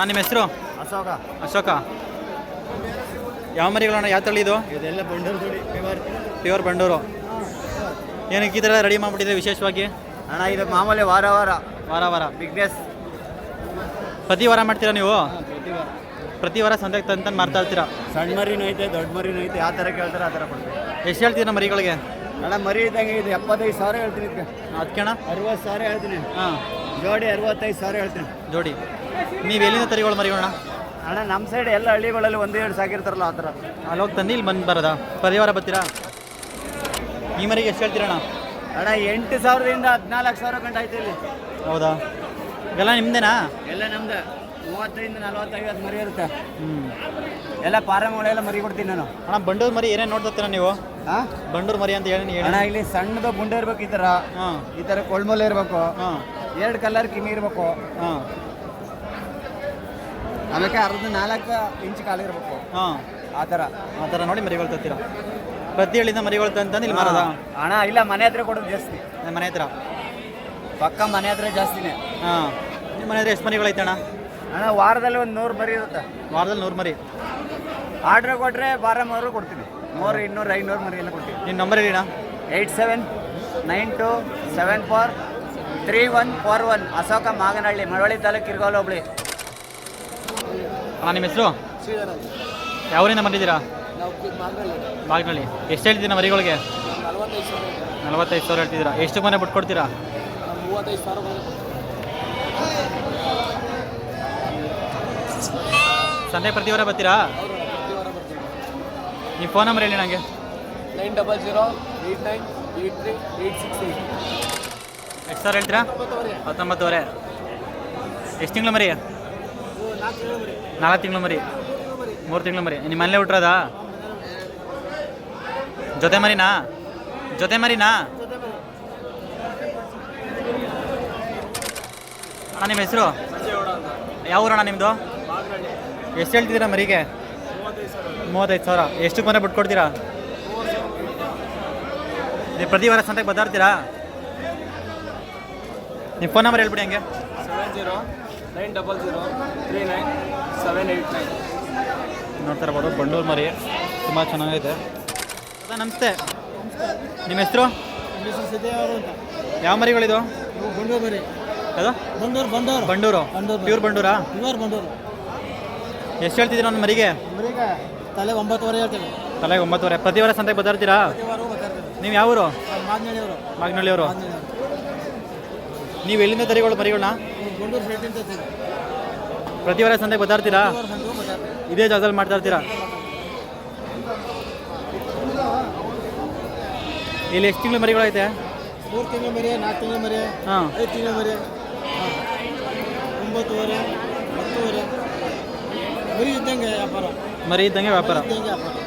ನಿಮ್ಮ ಹೆಸರು? ಅಶೋಕ. ಅಶೋಕ. ಯಾವ ಮರಿಗಳಣ್ಣ? ಯಾವ ತಳಿ ಇದು? ಇದೆಲ್ಲ ಬಂಡೂರು ತಳಿ, ಪ್ಯೂರ್ ಬಂಡೂರು. ಏನಕ್ಕೆ ಈ ಥರ ರೆಡಿ ಮಾಡಿಬಿಟ್ಟಿದೆ ವಿಶೇಷವಾಗಿ? ಅಣ್ಣ ಇದು ಮಾಮೂಲಿ ವಾರ ವಾರ ಬಿಗ್ನೆಸ್. ಪ್ರತಿ ವಾರ ಮಾಡ್ತೀರಾ ನೀವು? ಪ್ರತಿ ವಾರ ಸಂತೆಗೆ ತಂದು ಮಾರ್ತಾ ಇರ್ತೀರಾ? ಸಣ್ಣ ಮರಿನೂ ಐತೆ, ದೊಡ್ಡ ಮರಿನೂ ಐತೆ. ಯಾವ ಥರ ಕೇಳ್ತಾರೆ ಆ ಥರ ಕೊಡ್ತೀವಿ. ಎಷ್ಟು ಹೇಳ್ತೀರಾ ಮರಿಗಳಿಗೆ? ಅಣ್ಣ ಮರಿ ಇದ್ದಂಗೆ ಇದು 75,000 ಹೇಳ್ತೀನಿ. ಇದಕ್ಕೆ ಅದಕ್ಕೆ ಅಣ್ಣ 60,000 ಹೇಳ್ತೀನಿ. ಹಾಂ. ಜೋಡಿ 65,000 ಹೇಳ್ತೀನಿ. ಜೋಡಿ. ನೀವು ಎಲ್ಲಿಂದ ತರಿಗಳು ಮರಿಗಳಣ್ಣ? ಅಣ್ಣ ನಮ್ಮ ಸೈಡ್ ಎಲ್ಲ ಹಳ್ಳಿಗಳಲ್ಲಿ 1-2 ಸಾಕಿರ್ತಾರಲ್ಲ ಆ ಥರ. ಅಲ್ಲಿ ಹೋಗಿ ತಂದು ಇಲ್ಲಿ ಬಂದು ಬರೋದಾ? ಪರಿವಾರ ಬರ್ತೀರಾ? ಈ ಮರಿಗೆ ಎಷ್ಟು ಹೇಳ್ತೀರಣ್ಣ? ಅಣ್ಣ 8,000ದಿಂದ 14,000 ಗಂಟೆ ಆಯ್ತು ಇಲ್ಲಿ. ಹೌದಾ? ಎಲ್ಲ ನಿಮ್ಮದೇನಾ? ಎಲ್ಲ ನಮ್ದು. 35, 40, 50 ಮರಿ ಇರುತ್ತೆ. ಹ್ಞೂ. ಎಲ್ಲ ಪಾರಮಗಳೆಲ್ಲ ಮರಿ ಕೊಡ್ತೀನಿ ನಾನು. ಅಣ್ಣ ಬಂಡೂರು ಮರಿ ಏನೇನು ನೋಡ್ತೀರಾ ನೀವು? ಹಾಂ, ಬಂಡೂರು ಮರಿ ಅಂತ ಹೇಳಿ ಅಣ್ಣ ಇಲ್ಲಿ ಸಣ್ಣದು ಬುಂಡೆ ಇರ್ಬೇಕು. ಈ ಥರ ಹಾಂ. ಈ ಥರ ಕೊಳ್ಮೊಲೆ ಇರಬೇಕು. ಹಾಂ. 2 ಕಲರ್ ಕಿಮಿ ಇರಬೇಕು. ಹಾಂ. ಆಮೇಲೆ 4 ಇಂಚ್ ಕಾಲಿರ್ಬೇಕು. ಹಾಂ. ಆ ಥರ ನೋಡಿ ಮರಿಗಳು ತರ್ತೀರಾ? ಪ್ರತಿ ಹಳ್ಳಿಯಿಂದ ಮರಿಗಳು ತಂದು ಇಲ್ಲಿ ಮಾರೋದಾ? ಅಣ್ಣ ಇಲ್ಲ, ಮನೆ ಹತ್ರ ಕೊಡೋದು ಜಾಸ್ತಿ. ನಮ್ಮ ಮನೆ ಹತ್ರ ಪಕ್ಕ ಮನೆ ಹತ್ರ ಜಾಸ್ತಿನೇ. ಹಾಂ. ನಿಮ್ಮ ಮನೆ ಹತ್ರ ಎಷ್ಟು ಮರಿಗಳು ಐತಣ್ಣ? ಅಣ್ಣ ವಾರದಲ್ಲಿ 100 ಮರಿ ಇರುತ್ತೆ. ವಾರದಲ್ಲಿ 100 ಮರಿ ಆರ್ಡ್ರ್ ಕೊಟ್ಟರೆ 12 ಕೊಡ್ತೀನಿ. 100, 200, 500 ಮರಿ ಎಲ್ಲ ಕೊಡ್ತೀನಿ. ನಿಮ್ಮ ನಂಬರ್ ಹೇಳಿಣ್ಣ? 8792743141. ಅಶೋಕ, ಮಾಗನಹಳ್ಳಿ, ಮಳವಳ್ಳಿ ತಾಲೂಕು, ಕಿರ್ಗಾಲ್ ಹೋಬಳಿ. ಅಣ್ಣ ನಿಮ್ಮ ಹೆಸರು? ಯಾವೂರಿಂದ ಬಂದಿದ್ದೀರಾ? ಮಾಗನಹಳ್ಳಿ. ಎಷ್ಟು ಹೇಳ್ತೀರಾ ಮರಿಗಳಿಗೆ? 45,000 ಹೇಳ್ತಿದ್ದೀರಾ. ಎಷ್ಟು ಮನೆ ಬಿಟ್ಟು ಕೊಡ್ತೀರಾ? 35,000. ಸಂತೆ ಪ್ರತಿ ವಾರ ಬರ್ತೀರಾ? ನಿಮ್ಮ ಫೋನ್ ನಂಬರ್ ಹೇಳಿ ನನಗೆ. 9008983868. ಎಷ್ಟು ಸಾವಿರ ಹೇಳ್ತೀರಾ? 19,000. ಎಷ್ಟು ತಿಂಗಳು ಮರಿ? 4 ತಿಂಗಳು ಮರಿ. 3 ತಿಂಗಳು ಮರಿ. ನಿಮ್ಮ ಮನೇಲೆ ಹುಟ್ಟಿರೋದಾ? ಜೊತೆ ಮರಿನಾ? ಅಣ್ಣ ನಿಮ್ಮ ಹೆಸರು? ಯಾವ ಊರಣ್ಣ ನಿಮ್ಮದು? ಎಷ್ಟು ಹೇಳ್ತಿದ್ದೀರಾ ಮರಿಗೆ? 35,000. ಎಷ್ಟು ಮನೆ ಬಿಟ್ಟು ಕೊಡ್ತೀರಾ? ನೀವು ಪ್ರತಿ ವಾರ ಸಂತೆಗೆ ಬದಾಡ್ತೀರಾ? ನಿಮ್ಮ ಫೋನ್ ನಂಬರ್ ಹೇಳ್ಬಿಡಿ ಹಂಗೆ. 7090039789. ನೋಡ್ತಾ ಇರ್ಬೋದು ಬಂಡೂರು ಮರಿ ತುಂಬ ಚೆನ್ನಾಗೈತೆ. ನಮಸ್ತೆ. ನಿಮ್ಮ ಹೆಸರು? ಯಾವ ಮರಿಗಳಿದು? ಬಂಡೂರು ಮರಿ. ಯಾವುದು? ಬಂಡೂರು. ಪ್ಯೂರ್ ಬಂಡೂರಾ? ಎಷ್ಟು ಹೇಳ್ತಿದ್ದೀರಾ ಒಂದು ಮರಿಗೆ? ತಲೆ 9,000 ಹೇಳ್ತೀನಿ. ತಲೆಗೆ 9,000. ಪ್ರತಿ ವಾರ ಸಂತೆಗೆ ಬದಾಡ್ತೀರಾ? ನೀವು ಯಾವ ಊರು? ಮಾಗನಹಳ್ಳಿಯವರು. ನೀವು ಎಲ್ಲಿಂದ ತರಿಗಳು ಮರಿಗಳನ್ನ? ಪ್ರತಿ ವಾರ ಸಂತೆಗೆ ಬದಾಡ್ತೀರಾ? ಇದೇ ಜಾಗದಲ್ಲಿ ಮಾಡ್ತಾ ಇರ್ತೀರಾ? ಇಲ್ಲಿ ಎಷ್ಟು ತಿಂಗಳು ಮರಿಗಳೈತೆ? 3 ತಿಂಗಳು ಮರಿ, 4 ತಿಂಗಳು ಮರಿ, ಹಾಂ, 5 ತಿಂಗಳು ಮರಿ, 9,000, 10,000 ಮರಿ ಇದ್ದಂಗೆ ವ್ಯಾಪಾರ.